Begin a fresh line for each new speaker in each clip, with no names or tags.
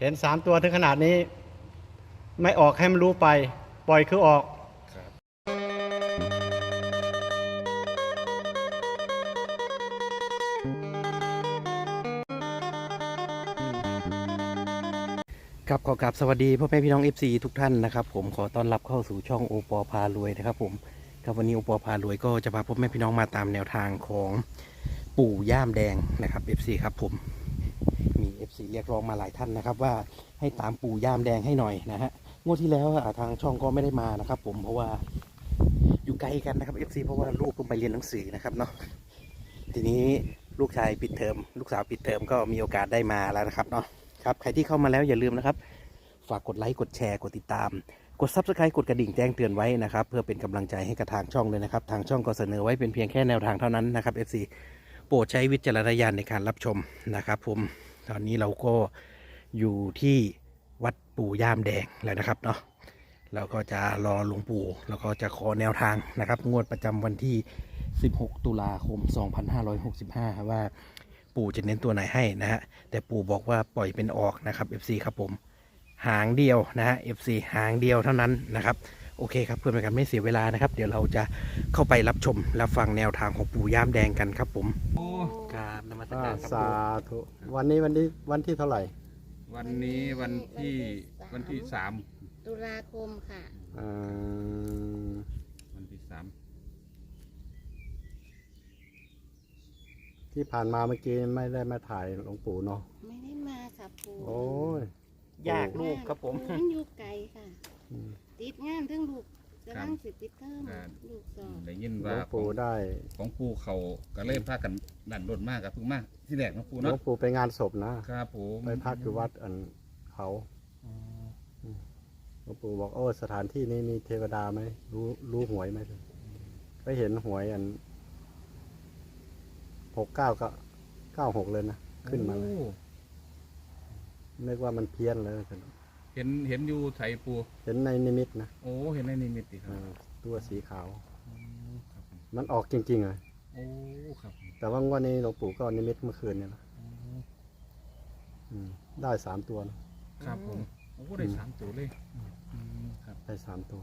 เห็น3 ตัวถึงขนาดนี้ไม่ออกให้มันรู้ไปปล่อยคือออกครับขอกราบสวัสดีพ่อแม่พี่น้อง FC ทุกท่านนะครับผมขอต้อนรับเข้าสู่ช่องโอปอพารวยนะครับผมครับวันนี้โอปอพารวยก็จะพาพ่อแม่พี่น้องมาตามแนวทางของปู่ย่ามแดงนะครับ FC ครับผมมี FC เรียกร้องมาหลายท่านนะครับว่าให้ตามปู่ย่ามแดงให้หน่อยนะฮะงวดที่แล้วทางช่องก็ไม่ได้มานะครับผมเพราะว่าอยู่ไกลกันนะครับ FC เพราะว่าลูกเพิ่งไปเรียนหนังสือนะครับเนาะทีนี้ลูกชายปิดเทอมลูกสาวปิดเทอมก็มีโอกาสได้มาแล้วนะครับเนาะครับใครที่เข้ามาแล้วอย่าลืมนะครับฝากกดไลค์กดแชร์กดติดตามกด Subscribe กดกระดิ่งแจ้งเตือนไว้นะครับเพื่อเป็นกำลังใจให้กับทางช่องเลยนะครับทางช่องก็เสนอไว้เป็นเพียงแค่แนวทางเท่านั้นนะครับ FC โปรดใช้วิจารณญาณในการรับชมนะครับผมตอนนี้เราก็อยู่ที่วัดปู่ย่ามแดงแล้วนะครับเนาะเราก็จะรอหลวงปู่แล้วก็จะขอแนวทางนะครับงวดประจำวันที่16 ตุลาคม 2565ว่าปู่จะเน้นตัวไหนให้นะฮะแต่ปู่บอกว่าปล่อยเป็นออกนะครับ FC ครับผมหางเดียวนะฮะ FC หางเดียวเท่านั้นนะครับโอเคครับเพื่อเป็นการไม่เสียเวลานะครับเดี๋ยวเราจะเข้าไปรับชมและฟังแนวทางของปู่ย่ามแดงกันครับผมครับนมัสการครับ
สาธุวันนี้วันที่เท่าไหร่
วันนี้วันที่3
ตุลาคมค่ะ
อ่า
วันที่3
ที่ผ่านมาเมื่อกี้ไม่ได้มาถ่ายหลวงปู่เนาะ
ไม่ได้มาค่ะปู่
โอ้ย
ยากลูกครับผม
มันอยู่ไกลค่ะ
อืม
ติดงานทั้งลูกกำลังสิปิดเทอมลูกสอบ
ได้ยิน
หล
ว่าว
งปู่ได้
ของปู่เขาก็เลยพากันดันรถมากกับพึ่งมากที่แรกนะปู่
หลว
เนาะ
งปู่ไปงานศพนะครับ
ผม
ไปพักอยู่วัดอันเขา
อ๋อ
หลวงปู่บอกโอ้สถานที่นี้มีเทวดาไหมรู้หวยไหมไปเห็นหวยอัน69ก็96เลยนะขึ้นมาเลย
โอ้
นึกว่ามันเพี้ยนเลย
เห็นอยู่ไถปู่
เห็นในนิมิตนะ
โอ้เห็นในนิมิตดิครับ
ตัวสีขาว
อ๋อครับผม
มันออกจริงๆเลย
โอ้ครับผม
แต่ว่างวันนี้หลวงปู่ก็นิมิตเมื่อคืนเนี่ยนะ
อ๋อ
ได้3 ตัวนะครับ
ผมโอ้ได้3 ตัวเลยครับ
ได้3 ตัว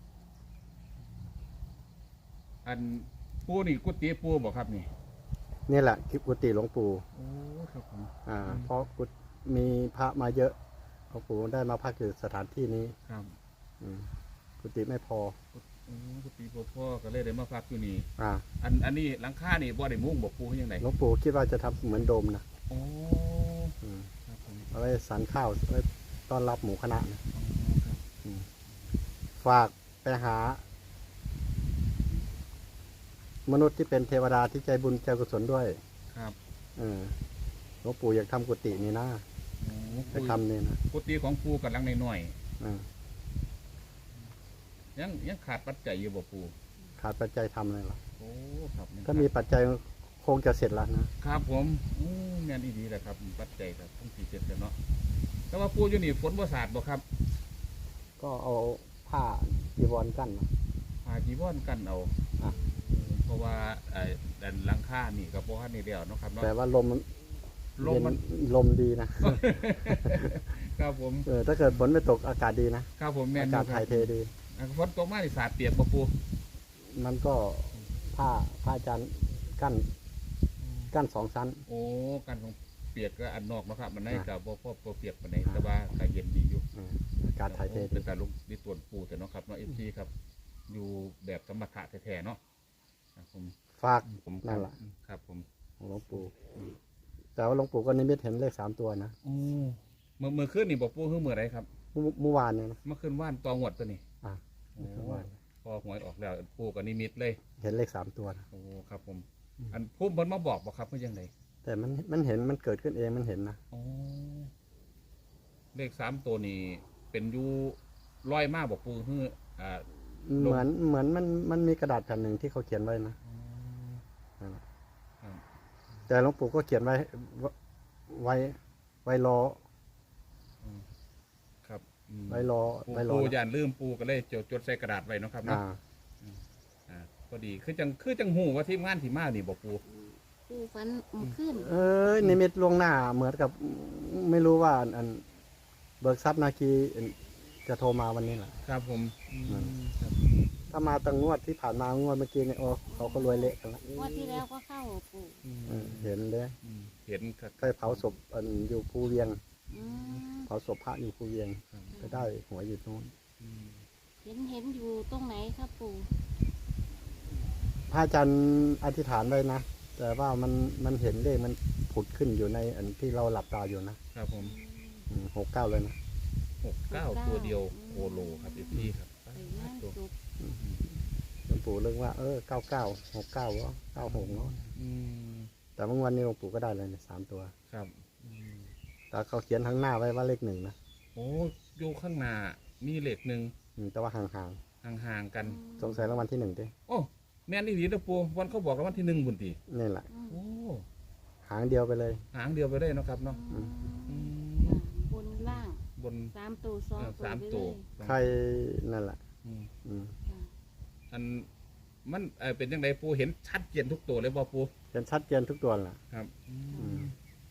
อันปู่นี่กุฏิปู่บอกครับนี่
นี่แหละคลิปกุฏิหลวงปู่
โอ้ครับผม
เพราะมีพระมาเยอะหลวงปู่ได้มาพักอยู่สถานที่นี้
ครับ
อืมกุฏิไม่พอ
โอ้กุฏิพ่อก็เลยได้มาพักอยู่นี่
อ่า
อันนี้หลังคานี่บ่ได้มุ้งบอกปู่ยังไง
หลวงปู่คิดว่าจะทำเหมือนโดมนะ
โอ้
อืม
ครับผม
เอาไว้สันข้าวไว้ต้อนรับหมู่คณะนะ
อ๋อครับ
ฝากไปหา มนุษย์ที่เป็นเทวดาที่ใจบุญใจกุศลด้วย
ครับ
หลวงปู่อยากทำกุฏินี่นะ
โอ้
ไปทำนี่นะ
กุฏิของปู่กำลังน้อย
อ่า
ๆยังขาดปัจจัยอยู่บ่ปู่
ขาดปัจจัยทำเลยหรอ
โอ้ครับยัง
ถ้ามีปัจจัยคงจะเสร็จแล้วนะ
ครับผมงานดีๆแหละครับปัจจัยครับต้องสี่เจ็ดกันเนาะแต่ว่าปู่อยู่นี่ฝนบ่สาดบ่ครับ
ก็เอาผ้าจีวรกั้นนะ
พาจีวรกันเอา
อ่ะ
เพราะว่าดันหลังคานี่ก็บ่ทันได้แล้วเนาะครับเนาะ
แต่ว่าลม
ลมมัน
เย็นลมดีนะ
ครับผม
ถ้าเกิดฝนไม่ตกอากาศดีนะครับ
ผมแม่น
อา
อยู่
กาศ
ค
ถ่า
รั
ยเทดี
ฝนตกมานี่สาดเปียกบ่ปู่
มันก็ผ้าจานกั้น2 ชั้น
โอ้กันของเปียกก็อันนอกเนาะครับมันได้กับบ่เปียกปานใดแต่ว่าก็เย็นดีอยู่
อากาศถ่ายเทดี
เป็นแต่ลงนี่ตรวจปูแต่เนาะครับเนาะFCครับ อยู่แบบสมถะแท้ๆเนาะครับผม
ฝาก
ผม
นั่นแหละ
ครับผม
ของหลวงปู่แต่ว่าหลวงปู่ก็นิมิตเห็นเลข3 ตัวนะ
โอ้เมื่อคืนนี่บอกปูคือเมื่อไรครับ
เมื่อวานเนี่ยนะ
เมื่อคืนว่านตองหวดตัวนี้
อ่ะ
โอ้
เมื่อวาน
พอหวยออกแล้วปูกับนิมิตเลย
เห็นเลข3 ตัวนะ
โอ้ครับผม อันพุ่มเพิ่นมาบอกครับเพื่อยังไง
แต่มันเห็นมันเกิดขึ้นเองมันเห็นนะ
โอ้เลข3 ตัวนี้เป็นอยูร้อยมากบอกปูคือลง
เหมือนมันมีกระดาษแผ่นหนึ่งที่เขาเขียนไว้นะ
ครับ
แต่หลวงปู่ก็เขียนไว้ไว้รอ
ครับอืม
ไว้รอ
ปูย่านลืมปูก็เลยจดใส่กระดาษไว้เนาะครับเนาะ พอดีคือจังหูว่าทีมงานที่มานี่บอกปู
ปู่ฟันขึ้น
นิมิตล่วงหน้าเหมือนกับไม่รู้ว่าอันเบิกทรัพย์นาคีจะโทรมาวันนี้แหละ
ครับผมครับ
ถ้ามาตั้งงวดที่ผ่านมางวดเมื่อกี้เนี่ยโอ้เขาก็รวยเละกันละ
งวดที่แล้วก็เข้าปู่
เห็นเลย
เห็นครับ
ไปเผาศพอยู่ภูเวียง
อืม
เผาศพพระอยู่ภูเวียงก็ได้หัวอยู่ตรงนู้น
เห็นอยู่ตรงไหนครับปู่
พระอาจารย์อธิษฐานไว้นะแต่ว่ามันเห็นเลขมันผุดขึ้นอยู่ในอันที่เราหลับตาอยู่นะครับ
ผม
69เลยนะ
69ตัวเดียวโคโลครับพี่ครับ
ไปงานศพ
หลวงปู่เรื่องว่า99 69วะ96เนาะ
อืม
แต่เมื่อวันนี้หลวงปู่ก็ได้เลยเนี่ย3ตัว
ครับ
แต่เขาเขียนข้างหน้าไว้ว่าเลข1นะ
โอ้อยู่ข้างหน้ามีเหล็กหนึ่ง
แต่ว่าห่าง
ห่างๆกัน
ๆสงสัยรางวัลที่1ดิ
โอ้แม่นอีหลีนะปูวันเขาบอกรางวัลที่1บุญที
นี่แหละ
โอ้
หางเดียวไปเลย
หางเดียวไปได้เนาะครับเนาะ
อืม
อืม
บนล่าง
บน
3ตัว2ตัว
สาม
ไป
ตัว
เลย
ใครนั่นแหละ
อืม
อืม
ค่ะ
อันมันเป็นยังไงปูเห็นชัดเจนทุกตัวเลยบ่ปู
เป็นชัดเจนทุกตัวแหละ
ครับ
อืม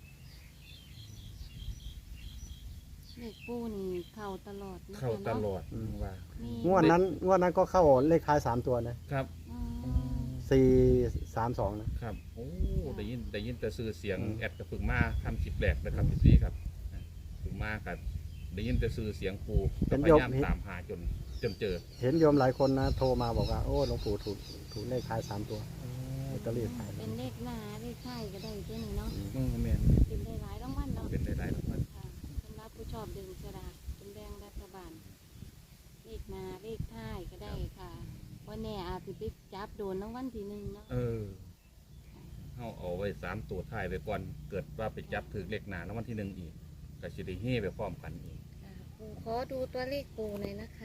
เลขปู่นี่เข้าตลอดนะคะ
เข้าตลอด
อืม
ว่า
มี
งวดนั้นก็เข้าเลขท้าย3ตัวนะครับ
อืม
432นะครับ
โอ้
ค่ะ
ได้ยินแต่สื่อเสียง
อืม
แอดกับฝึกมาทำคลิปแรกนะครับพี่ครับฝึกมากับได้ยินแต่สื่อเสียงปูก็พยายามตามหาจนเจอ
เห็นโยมหลายคนนะโทรมาบอกว่าโอ้หลวงปู่ถูกเลขท้าย3ตัวลอตเตอรี่ขาย
เป็นเลขหน้าเลขท้ายก็ได้ตัวนี้เนาะ
แม่น
เป็นได้หลายรางวัลเนาะ
เป็นหลายๆรางวัล
ค่ะสำหรับผู้ชอบดึงสลากเป็นแบ่งรัฐบาล เลขหน้าเลขท้ายก็ได้ค่ะวันแน่อาจสิไปจับโดนรางวัลที่1เนาะ
เอาไว้3ตัวท้ายไปก่อนเกิดว่าไปจับถือเลขหน้ารางวัลที่1อีกก็สิได้เฮ่ไปพร้อมกันอีก
ค่ะปู่ขอดูตัวเลขปู่หน่อยนะคะ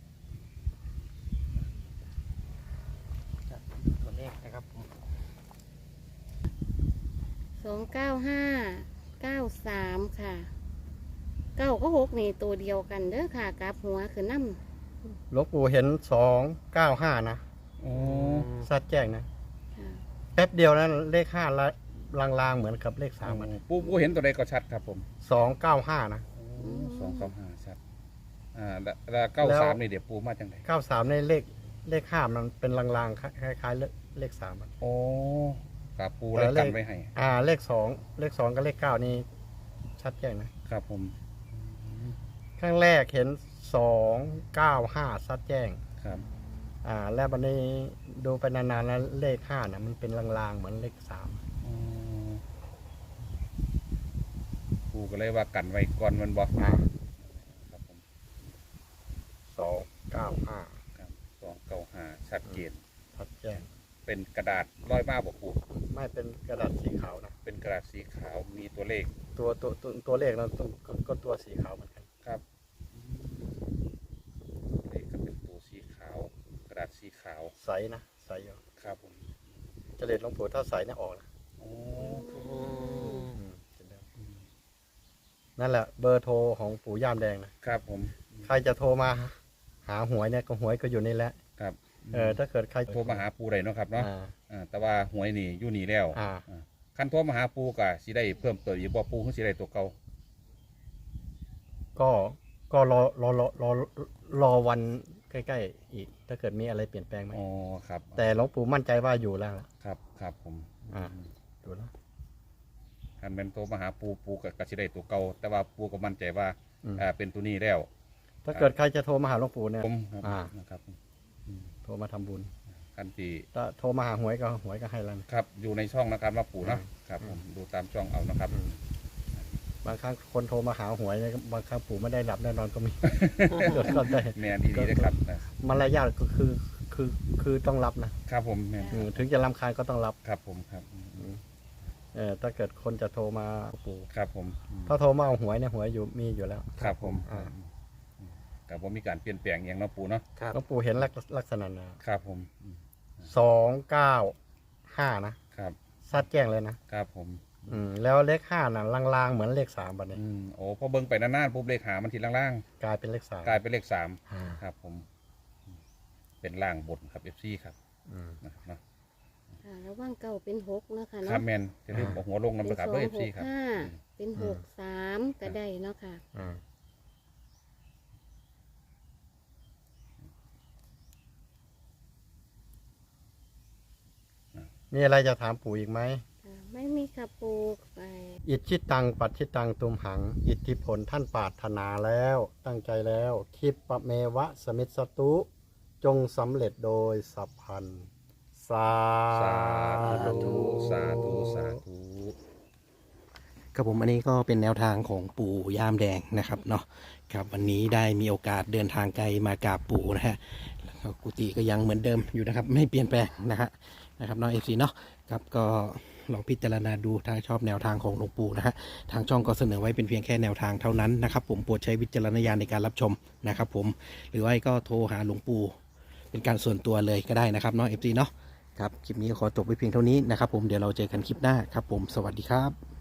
ตัวเลขนะครับผม
29593ค่ะ9ก็6นี่ตัวเดียวกันเด้อค่ะกลับหัวคือน้
หลวงปู่เห็น295นะ
โอ้
สัดแจ้งนะ
ำค่ะ
แป๊บเดียวนะเลข5ละลางๆเหมือนกับเลข3มัน
ปูเห็นตัวใดก็ชัดครับผม
295นะ
295ชัดแล้ว93นี่เดี๋ยวปูมาจังได
93ในเลข5มันเป็นลางๆคล้ายๆเลข3มัน
โอ้ครับปูเลยกันไว้ให้
เลข2กับเลข9นี่ชัดแจ้งนะครับ
ผม
ข้างแรกเห็น295ชัดแจ้ง
ครับ
แล้ววันนี้ดูไปนานๆแล้วเลข5นะมันเป็นลางๆเหมือนเลข3
ปูก็เลยว่ากันไว้ก่อนมันบอกครับผม
295
ครับ295ชัดเจน
ชัดแจ้ง
เป็นกระดาษร้อยมาบอกปู
ไม่เป็นกระดาษสีขาวนะ
เป็นกระดาษสีขาวมีตัวเลข
ตัวเลขนะก็ตัวสีขาวเหมือนกัน
ครับเลขก็เป็นตัวสีขาว กระดาษสีขาว
ใสนะใสอยู่
ครับผม
เจริญหลวงปู่ถ้าใสเนี่ยออกนะ
โอ้
เห็นแล้วนั่นแหละเบอร์โทรของปู่ย่ามแดงนะครับ
ผม
ใครจะโทรมาหาหวยเนี่ยก็หวยก็อยู่นี่แหละ
ครับ
ถ้าเกิดใคร
โทรมาหาปูได้เนาะครับเนาะ แต่ว่าหวยนี่อยู่นี่แล้ว คันโทรมาหาปูก็สิได้เพิ่มเติมอีกบ่ปูคือสิได้ตัวเก่า
ก็รอวันใกล้ๆอีก ถ้าเกิดมีอะไรเปลี่ยนแปลงไหม
อ๋อครับ
แต่หลวงปู่มั่นใจว่าอยู่แล้วล่ะ
ครับผม
อยู่แล้ว
คันเป็นโทรมาหาปูก็สิได้ตัวเก่าแต่ว่าปูก็มั่นใจว่า
อืม
เป็นตัวนี้แล้ว
ถ้าเกิดใครจะโทรมาหาหลวงปู่เนี่ย
ผม
นะครับ
ผม
โทรมาทำบุญ
คันที่
ถ้าโทรมาหาหวยก็ให้แล้วนะ
ครับอยู่ในช่องนะครับว่าปูเนาะครับผมดูตามช่องเอานะครับ
บางครั้งคนโทรมาหาหวยเนี่ยบางครั้งปู่ไม่ได้หลับแน่นอนก็มี เกิดก็ได้
แมนดีๆนะครับ
มารยาทก็คือต้องรับนะครับ
ผมแมน
ถึงจะรำคาญก็ต้องรับ
ครับผมครับ
ถ้าเกิดคนจะโทรมาปู่
ครับผม
ถ้าโทรมาเอาหวยเนี่ยหวยมีอยู่แล้ว
ครับผมกับผมมีการเปลี่ยนแปลงอย่างเนาะปูเนาะ
หลวงปู่เห็นลักษณะนะครับ
ผม
295นะครับ ซัดแจ้งเลยนะครับ
ผม
แล้วเลข5น่ะลางๆเหมือนเลข3บัดนี้
โอ้พอเบิ่งไปนานๆปุ๊บเลขหามันทีล่าง
กลายเป็นเลข
ๆกลายเป็นเลข3
3
ครับผมเป็นล่างบนครับ FC ครับนะครับเนาะ
ค่ะแล้วว่างเก่าเป็น6เนาะค่ะ
ครั
เนาะ
บแมนจะเรียกหัวลงน้ำ
เป็
นะ
น
ครับ
2
ด้วย FC ครับ
6 5เป็น6 3ก็ได้เนาะค่ะ
มีอะไรจะถามปู่อีกไหม
ไม่มีค่ะปูไป
อิทธิตังปัจฉิตังตุมหัง อิทธิผลท่านปรารถนาแล้วตั้งใจแล้วคิปปะเมวะสมิสตุ จงสำเร็จโดยสัพพันธ์สา
สาธุสาธุสาธุ
ครับผมอันนี้ก็เป็นแนวทางของปู่ย่ามแดงนะครับเนาะครับวันนี้ได้มีโอกาสเดินทางไกลมากราบปู่นะฮะแล้วก็กุฏิก็ยังเหมือนเดิมอยู่นะครับไม่เปลี่ยนแปลงนะครับน้องเอฟซีเนาะครับก็ลองพิจารณาดูถ้าชอบแนวทางของหลวงปู่นะฮะทางช่องก็เสนอไว้เป็นเพียงแค่แนวทางเท่านั้นนะครับผมโปรดใช้วิจารณญาณในการรับชมนะครับผมหรือว่าก็โทรหาหลวงปู่เป็นการส่วนตัวเลยก็ได้นะครับน้องเอฟซีเนาะครับคลิปนี้ขอจบไว้เพียงเท่านี้นะครับผมเดี๋ยวเราเจอกันคลิปหน้าครับผมสวัสดีครับ